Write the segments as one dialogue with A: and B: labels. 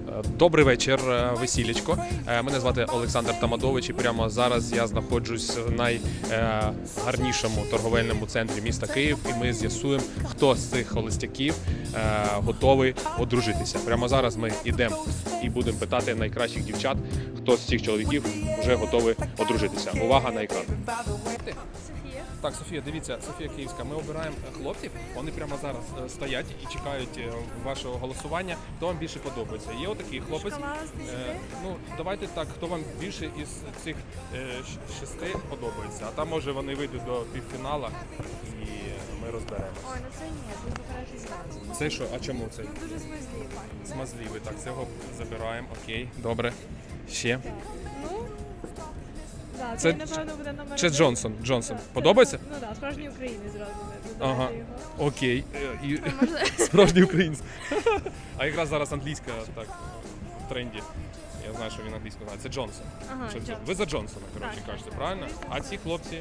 A: Добрий вечір, весілечко. Мене звати Олександр Тамадович і прямо зараз я знаходжусь в найгарнішому торговельному центрі міста Київ, і ми з'ясуємо, хто з цих холостяків готовий одружитися. Прямо зараз ми йдемо і будемо питати найкращих дівчат, хто з цих чоловіків вже готовий одружитися. Увага на екран. Так, Софія, дивіться, Софія Київська, ми обираємо хлопців, вони прямо зараз стоять і чекають вашого голосування. Хто вам більше подобається? Є отакий хлопець. Ну, давайте так, хто вам більше із цих 6 подобається. А там, може, вони вийдуть до півфіналу і ми розберемося.
B: Ой, ну це ні, він покраще зразу.
A: Це що? А чому це?
B: Ну дуже смазливий.
A: Смазливий, так, цього забираємо, окей, добре. Ще.
B: Ну, да,
A: Це
B: це, напевно, буде номер
A: Чи
B: один.
A: Джонсон? Джонсон.
B: Так,
A: Подобається?
B: Ну так, справжній українець зразу
A: Ага.
B: додати його.
A: Окей. І...
B: Може,
A: Справжній українець. А якраз зараз англійська так в тренді. Я знаю, що він англійську знає. Це Джонсон.
B: Ага,
A: Що це?
B: Джонсон.
A: Ви за Джонсона, коротше,
B: Так,
A: кажете,
B: так,
A: правильно?
B: звісно.
A: А ці хлопці?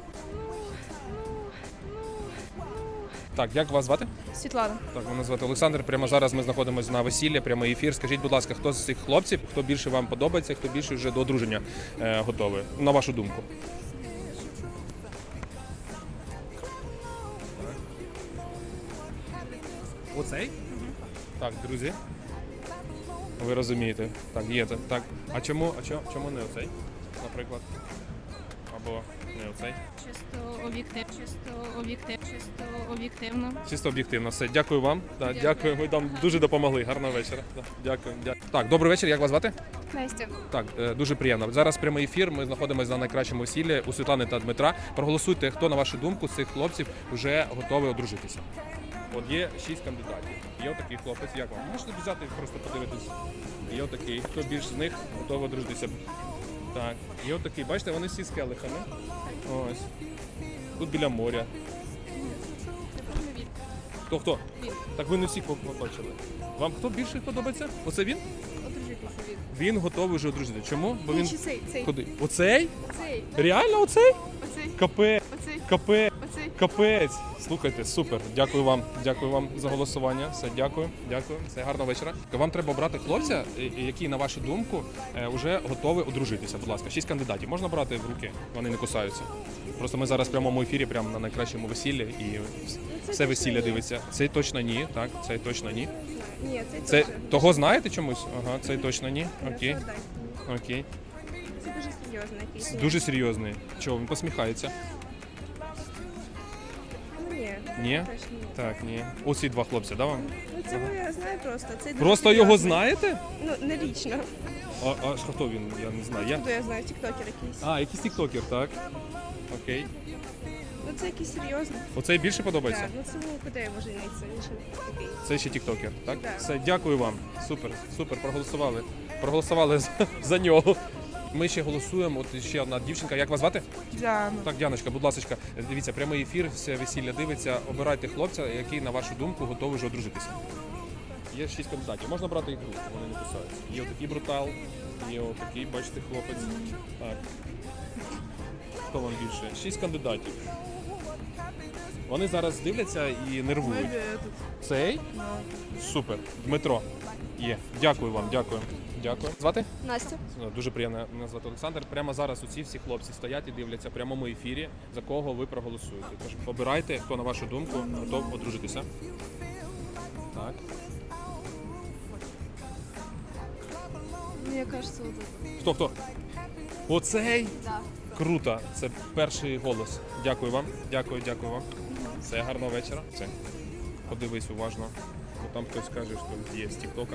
A: Так, як вас звати?
B: Світлана.
A: Так, мене звати Олександр. Прямо зараз ми знаходимося на весіллі, прямий ефір. Скажіть, будь ласка, хто з цих хлопців, хто більше вам подобається, хто більше вже до одруження готовий? На вашу думку. Оцей? Так, друзі. Ви розумієте. Так, є це. Так. А чому не оцей, наприклад? Або не оцей?
C: Чисто об'єктивно.
A: Чисто об'єктивно. Все, дякую вам. Да, дякую. Ви нам дуже допомогли. Гарного вечора. Да, дякую. Так, добрий вечір. Як вас звати?
B: Настя.
A: Так, дуже приємно. Зараз прямий ефір. Ми знаходимося на найкращому весіллі у Світлани та Дмитра. Проголосуйте, хто, на вашу думку, з цих хлопців вже готовий одружитися. От є 6 кандидатів. Є отакий хлопець. Як вам? Можете взяти просто подивитись. Є отакий. Хто більш з них готовий одружитися? Так, є отакий. Бачите, вони всі з келихами. Ось. Тут біля моря. Хто?
B: Він.
A: Так ви не всіх побачили. Вам хто більше подобається? Оце він?
B: Одружитися він.
A: Він готовий вже одружити. Чому? Бо він
B: Чи цей?
A: куди? Оцей?
B: Оцей.
A: Реально оцей?
B: Оцей.
A: Капець.
B: Оцей.
A: Капець.
B: Оцей.
A: Капець. Слухайте, супер. Дякую вам за голосування. Все, дякую. Все, гарного вечора. Вам треба обрати хлопця, який, на вашу думку, вже готовий одружитися. Будь ласка, 6 кандидатів. Можна брати в руки, вони не кусаються. Просто ми зараз в прямому ефірі, прямо на найкращому весіллі, і все весілля дивиться. Цей точно ні, так, цей точно ні.
B: Ні, цей
A: Це
B: точно.
A: того знаєте чомусь? Ага, цей точно ні. Окей.
B: Це отдай.
A: Окей.
B: Це дуже серйозно якийсь.
A: Дуже серйозний. Чого, він посміхається?
B: Ну ні.
A: Ні?
B: Теж ні.
A: Так, ні. Оці 2 хлопці, да вам?
B: Ну цього я знаю просто. Цей дуже
A: Просто його
B: серйозний.
A: знаєте?
B: Ну, не лічно.
A: А хто він? Я не знаю.
B: Хто я знаю, тіктокер якийсь.
A: А, якийсь тіктокер, так. Окей.
B: Ну це якийсь серйозний.
A: Оцей більше подобається?
B: Так, ну це куди я можу знайти? Він ще такий.
A: Це ще тіктокер, так?
B: Так.
A: Все, дякую вам. Супер, проголосували. Проголосували за нього. Ми ще голосуємо. От ще одна дівчинка. Як вас звати?
B: Діана.
A: Так, Діаночка, будь ласка, дивіться, прямий ефір, все весілля дивиться. Обирайте хлопця, який, на вашу думку, готовий вже одружитися. Є 6 кандидатів. Можна брати їх в руки, вони не кусаються. Є отакий брутал, є отакий, бачите, хлопець. Так. Хто вам більше? 6 кандидатів. Вони зараз дивляться і нервують. Цей? Супер. Дмитро. Є. Дякую вам, дякую. Дякую. Звати?
B: Настя.
A: Дуже приємно, мене звати Олександр. Прямо зараз усі всі хлопці стоять і дивляться в прямому ефірі, за кого ви проголосуєте. Тож обирайте, хто, на вашу думку, готов одружитися. Так.
B: Мені кажется, вот
A: Хто? Оцей?
B: Да.
A: Круто. Це перший голос. Дякую вам. Дякую вам. Все, гарного вечора. Все. Подивись уважно. Бо там хтось каже, що є з тіктока.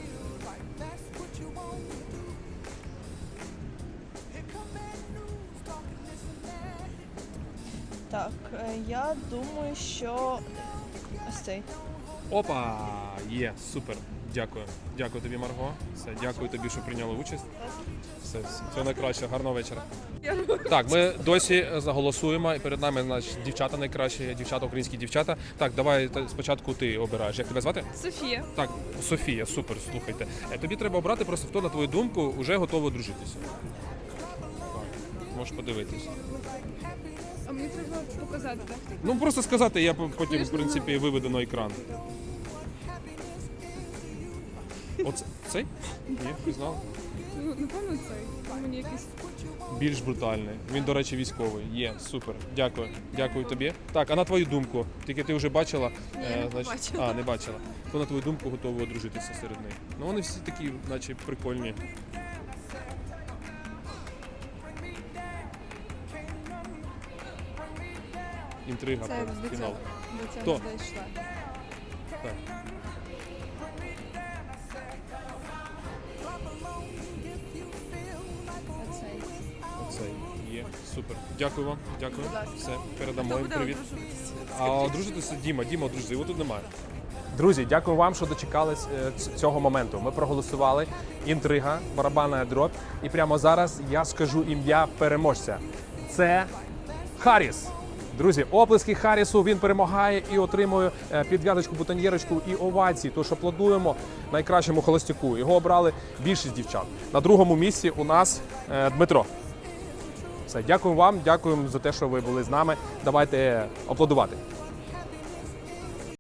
D: Так, я думаю, що ось цей.
A: Опа! Є, супер. Дякую. Дякую тобі, Марго. Все, дякую тобі, що прийняли участь. Все найкраще, гарного вечора. Так, ми досі заголосуємо, і перед нами дівчата найкращі, українські дівчата. Так, давай спочатку ти обираєш. Як тебе звати?
B: Софія.
A: Так, Софія, супер, слухайте. Тобі треба обрати просто, хто, на твою думку, вже готовий одружитися. Так, можеш подивитись.
B: А мені треба показати, так?
A: Ну, просто сказати, я потім, в принципі, виведу на екран. Оце цей? Ні, пізнав.
B: Ну, напевно, цей. Він мені якийсь.
A: Більш брутальний. Він, до речі, військовий. Є, супер. Дякую. Дякую тобі. Так, а на твою думку, тільки ти вже бачила?
C: не бачила.
A: А, не бачила. То на твою думку готові одружитися серед них. Ну вони всі такі, наче прикольні. Інтрига,
C: Це до
A: фінал.
C: цього. До
A: Хто?
C: цього дійшла.
A: Так.
C: Оцей.
A: Оцей є. Супер. Дякую вам. Дякую.
C: Будь ласка.
A: Все, передамо їм привіт.
C: одружуватися?
A: А одружитися Діма одружиться, його тут немає. Друзі, дякую вам, що дочекались цього моменту. Ми проголосували. Інтрига, барабанна дробь. І прямо зараз я скажу ім'я переможця. Це Харріс. Друзі, оплески Харрісу, він перемагає і отримує підв'язочку, бутоньєрочку і овації. Тож аплодуємо найкращому холостяку. Його обрали більшість дівчат. На другому місці у нас Дмитро. Все, дякую вам, дякуємо за те, що ви були з нами. Давайте аплодувати.